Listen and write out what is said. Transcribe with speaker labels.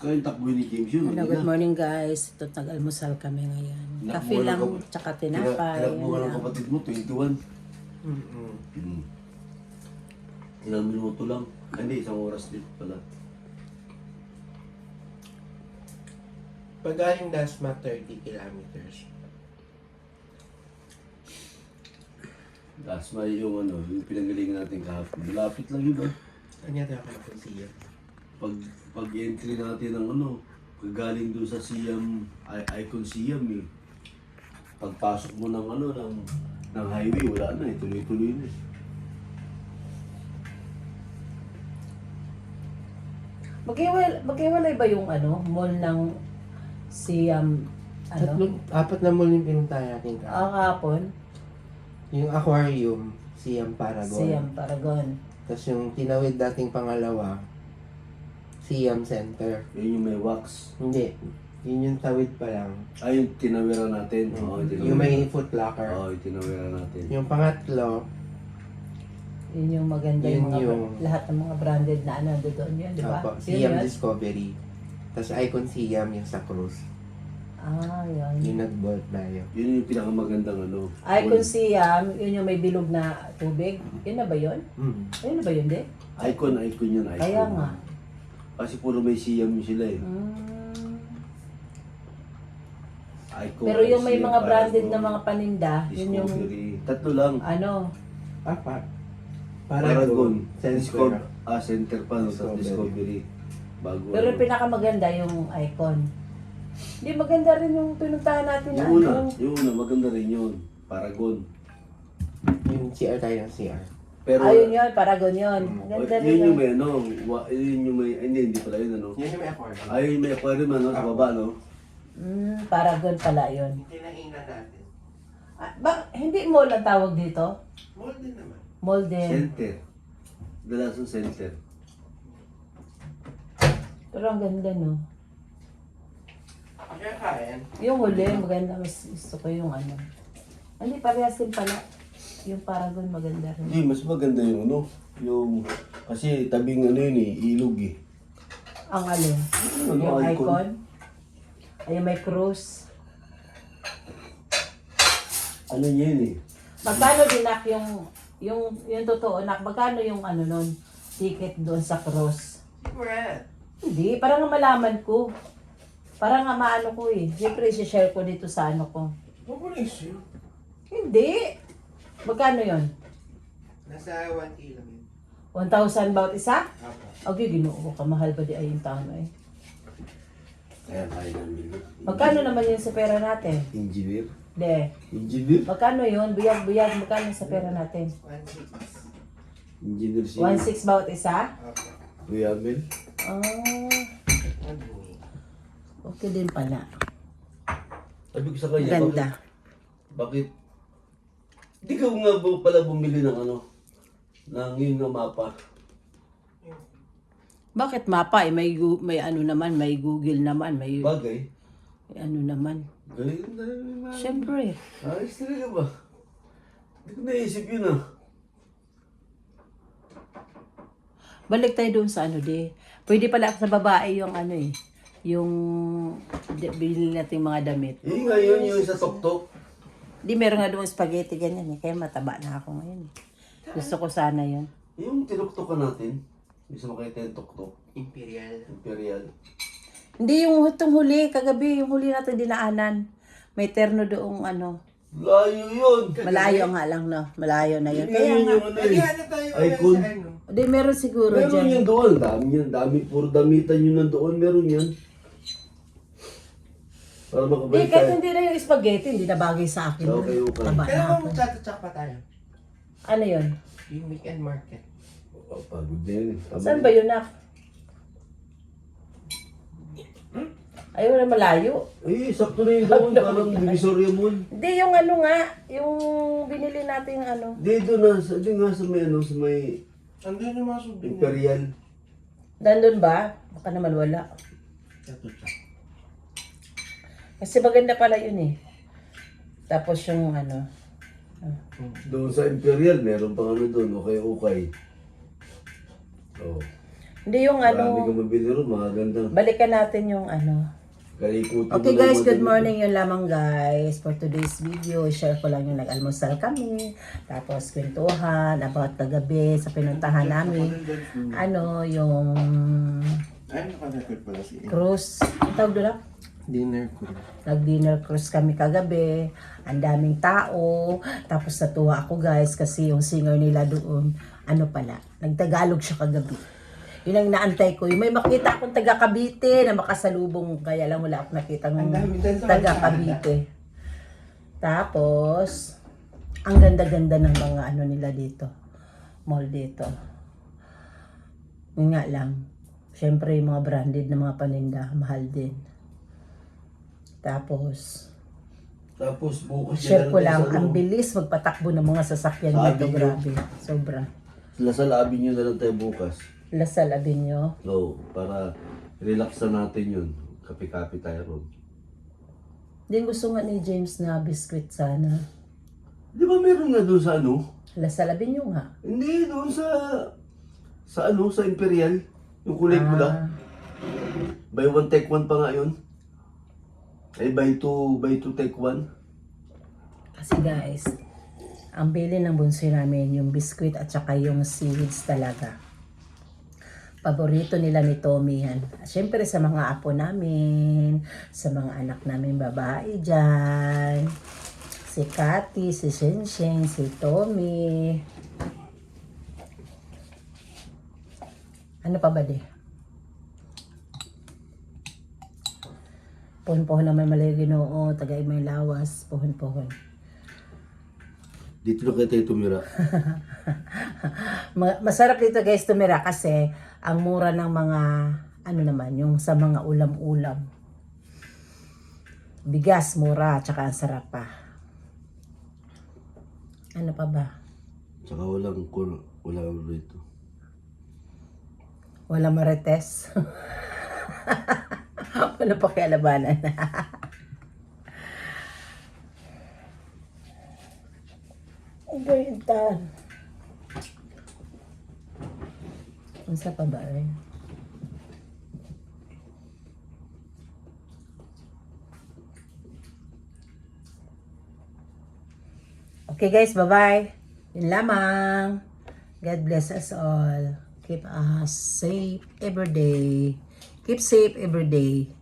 Speaker 1: Kaya yung takbo ni James yun.
Speaker 2: Hello, good morning guys. Ito, nag-almusal kami ngayon. Kafe lang, tsaka tinapay.
Speaker 1: Tinakbo ka ng kapatid mo, 21. Ilang minuto lang. Hindi, isang oras din pala.
Speaker 3: Pag galing Dasma, 30 kilometers.
Speaker 1: Dasma yung ano, yung pinanggalingan natin kahapon. Malapit lang yun ba?
Speaker 3: Kanya tayo ako siya.
Speaker 1: Pag entry natin ng ano, galing doon sa Siam, Icon Siam eh. Pagpasok mo ng ano, ng highway, wala na eh, tuloy-tuloy na eh.
Speaker 2: Maghiwalay ba yung ano, mall ng Siam,
Speaker 3: Apat na mall yung pinuntahan natin ka.
Speaker 2: kahapon?
Speaker 3: Yung aquarium, Siam Paragon.
Speaker 2: Siam Paragon.
Speaker 3: Tapos yung tinawid dating pangalawa, Siam Center.
Speaker 1: Yun yung may wax.
Speaker 3: Hindi. Yun yung tawid pa lang.
Speaker 1: Ay, yung tinawiran natin. Oo,
Speaker 3: Yung may foot locker.
Speaker 1: Oo, yung tinawiran natin.
Speaker 3: Yung pangatlo,
Speaker 2: Yun yung maganda
Speaker 3: Yun
Speaker 2: yung mga,
Speaker 3: yung-
Speaker 2: lahat ng mga branded na ano doon yun, di ba?
Speaker 3: apa,
Speaker 2: Yun
Speaker 3: Siam
Speaker 2: yun?
Speaker 3: Discovery. Tapos Icon Siam yung sa cruise.
Speaker 2: Ah, yun.
Speaker 3: Yung nag-bolt tayo.
Speaker 1: Yun yung pinakamagandang ano.
Speaker 2: Icon Siam, yun yung may bilog na tubig. Yun na ba yun? Yun na ba yun, di?
Speaker 1: Icon yun, icon.
Speaker 2: Kaya nga.
Speaker 1: Kasi puro may Siam sila eh.
Speaker 2: Mm.
Speaker 1: Icon,
Speaker 2: Pero yung may
Speaker 1: Siam,
Speaker 2: mga branded
Speaker 1: Paragon,
Speaker 2: na mga paninda, yun yung
Speaker 1: Discovery. Tatlo lang.
Speaker 2: ano,
Speaker 3: Apat.
Speaker 1: Paragon.
Speaker 3: Center.
Speaker 1: Center pa, no? Tapos
Speaker 3: Discovery.
Speaker 1: Discovery. Bago
Speaker 2: pero
Speaker 1: ano.
Speaker 2: yung pinakamaganda yung Icon. Hindi, maganda rin yung pinuntahan natin na
Speaker 1: Yung una, maganda rin yun. Paragon.
Speaker 3: Yung CR tayo ng CR.
Speaker 1: Pero,
Speaker 2: Ayun yun, Paragon yun. Maganda rin
Speaker 1: yun yung
Speaker 2: yun.
Speaker 1: may ano, yun yung may, hindi pala yun ano.
Speaker 3: Yun yung may aquarium.
Speaker 1: Ay, yung may aquarium ano, sa baba no.
Speaker 2: Paragon pala yun.
Speaker 3: Tinainan natin.
Speaker 2: Hindi mall ang tawag dito?
Speaker 3: Mall din naman.
Speaker 2: Mall din.
Speaker 1: Center. Dalasong center.
Speaker 2: Pero ang ganda, no?
Speaker 3: Kaya kain.
Speaker 2: Yung huli, maganda. Mas gusto ko yung ano. Hindi, parehas din pala. Yung Paragon, maganda rin.
Speaker 1: Hindi, mas maganda yung ano. Yung, kasi tabing ano yun eh, ilog eh.
Speaker 2: Ang alin?
Speaker 1: Ano,
Speaker 2: Yung
Speaker 1: Icon?
Speaker 2: Icon. Ay, may cruise.
Speaker 1: Ano yun eh.
Speaker 2: Magkano din nak yung totoo nak, magkano yung ano nun, ticket doon sa cruise?
Speaker 3: Secret.
Speaker 2: Hindi, parang nga malaman ko. Parang nga maano ko eh. Siyempre, share ko dito sa ano ko.
Speaker 3: Huwag mo na issue.
Speaker 2: Hindi. Magkano yon?
Speaker 3: Nasa 1 kilo yun.
Speaker 2: 1,000 bawat isa?
Speaker 3: Apo.
Speaker 2: Okay, ginoo ka. Mahal ba di ay yung taon eh.
Speaker 1: Kaya kaya namin.
Speaker 2: Magkano naman yun sa pera natin?
Speaker 1: Engineer.
Speaker 2: De.
Speaker 1: Engineer?
Speaker 2: Magkano yun? Buyag-buyag. Magkano sa pera natin?
Speaker 3: 1,600.
Speaker 1: Engineer siya.
Speaker 2: 1,600 bawat isa?
Speaker 3: Apo.
Speaker 1: Kuya Amel.
Speaker 2: Ah,
Speaker 3: Ano?
Speaker 2: okay din pala.
Speaker 1: Sabi ko sa kanya,
Speaker 2: Ganda.
Speaker 1: bakit? Di ka nga pala bumili ng ano, ng yun na mapa.
Speaker 2: Bakit mapa eh? May ano naman, may Google naman, may
Speaker 1: Bagay.
Speaker 2: ano naman.
Speaker 1: Galing na naman.
Speaker 2: Siyempre.
Speaker 1: Ayos talaga ba? Hindi ko naisip yun ah.
Speaker 2: Balik tayo doon sa ano di. Pwede pala sa babae yung ano eh. Yung bilhin natin mga damit.
Speaker 1: Yun nga yun, yung sa tok-tok.
Speaker 2: Di meron nga doon spaghetti ganyan eh. Kaya mataba na ako ngayon eh. Gusto ko sana yun.
Speaker 1: Yung tinuktokan natin. Gusto mo kayo yung tok-tok.
Speaker 3: Imperial.
Speaker 1: Imperial.
Speaker 2: Hindi yung itong huli, kagabi, yung huli natin dinaanan. May terno doong ano.
Speaker 1: Layo yun!
Speaker 2: Malayo nga lang no. Malayo na yun.
Speaker 1: Yun
Speaker 2: Kaya
Speaker 1: yun
Speaker 2: nga.
Speaker 1: yung ano
Speaker 3: Lagi
Speaker 1: eh.
Speaker 3: ano tayo
Speaker 1: Icon.
Speaker 3: sa ano?
Speaker 2: Di meron siguro
Speaker 1: Meron
Speaker 2: dyan.
Speaker 1: yan doon. Dami yan. Dami. Puro damitan yun nandoon. Meron yan. Para
Speaker 2: Di,
Speaker 1: makabalik
Speaker 2: kahit
Speaker 1: tayo.
Speaker 2: hindi na yung spaghetti, hindi na bagay sa akin.
Speaker 1: Okay, okay.
Speaker 2: Taba
Speaker 3: Kaya
Speaker 2: na
Speaker 3: mo
Speaker 2: ako.
Speaker 3: magchat-chat pa tayo.
Speaker 2: Ano yun?
Speaker 3: Yung weekend market.
Speaker 1: Oh, pagod na yun.
Speaker 2: Saan ba yun nak? Ayaw na malayo.
Speaker 1: Eh, sakto na yun doon. Parang Divisoria Mall.
Speaker 2: Hindi, yung ano nga, yung binili natin ano.
Speaker 1: Dito na, di nga sa may ano, sa may
Speaker 3: Andun yung mga souvenir.
Speaker 1: Imperial.
Speaker 2: Nandun ba? Baka naman wala.
Speaker 3: Chat-chat.
Speaker 2: Kasi maganda pala yun eh. Tapos yung ano.
Speaker 1: Doon sa Imperial, meron pang ano doon, okay. Oh.
Speaker 2: Hindi yung
Speaker 1: Marami
Speaker 2: ano,
Speaker 1: ka mabili ron, maganda.
Speaker 2: balikan natin yung ano.
Speaker 1: Kalikutin
Speaker 2: Okay
Speaker 1: mo lang
Speaker 2: guys,
Speaker 1: yung
Speaker 2: good
Speaker 1: madali.
Speaker 2: morning yun lamang guys. For today's video, share ko lang yung nag-almusal kami. Tapos kwentuhan about kagabi sa pinuntahan namin. Ano, yung
Speaker 3: Ay, naka-record pala si
Speaker 2: cruise. Ang tawag doon?
Speaker 3: Dinner ko.
Speaker 2: Nag-dinner cruise kami kagabi. Ang daming tao. Tapos natuwa ako guys kasi yung singer nila doon, ano pala, nagtagalog siya kagabi. Yun ang naantay ko. Yung may makita akong taga Cavite na makasalubong. Kaya lang wala akong nakita ng taga Cavite. Tapos, ang ganda-ganda ng mga ano nila dito. Mall dito. Yun nga lang. Siyempre, yung mga branded na mga paninda, mahal din. Tapos,
Speaker 1: bukas
Speaker 2: share ko lang,
Speaker 1: sa
Speaker 2: ang bilis magpatakbo ng mga sasakyan
Speaker 1: Sabi
Speaker 2: dito.
Speaker 1: niyo.
Speaker 2: Grabe. Sobra.
Speaker 1: Lasal Avenue na lang tayo bukas.
Speaker 2: Lasal Avenue.
Speaker 1: So, para relax na natin yun. Kape-kape tayo ron.
Speaker 2: Din gusto nga ni James na biscuit sana.
Speaker 1: Di ba meron nga doon sa ano?
Speaker 2: Lasal Avenue nga.
Speaker 1: Hindi, doon sa ano, sa Imperial. Yung kulay pula. Buy one take one pa nga yun. Ay, buy two take one.
Speaker 2: Kasi guys, ang bili ng bunso namin, yung biscuit at saka yung seeds talaga. Paborito nila ni Tommy yan. Siyempre sa mga apo namin, sa mga anak namin babae dyan. Si Cathy, si Shensheng, si Tommy. Ano pa ba di? Pohon-pohon naman malay Ginoo, tagay may lawas, pohon-pohon.
Speaker 1: Dito na kayo tayo tumira.
Speaker 2: Masarap dito guys tumira kasi ang mura ng mga ano naman, yung sa mga ulam-ulam. Bigas mura, tsaka ang sarap pa. Ano pa ba?
Speaker 1: Tsaka walang rito.
Speaker 2: Wala marites. Wala pa kialabanan. Ang ganda. Ang sa pa ba rin? Okay guys, bye-bye. Yun lamang. God bless us all. Keep us safe every day. Keep safe every day.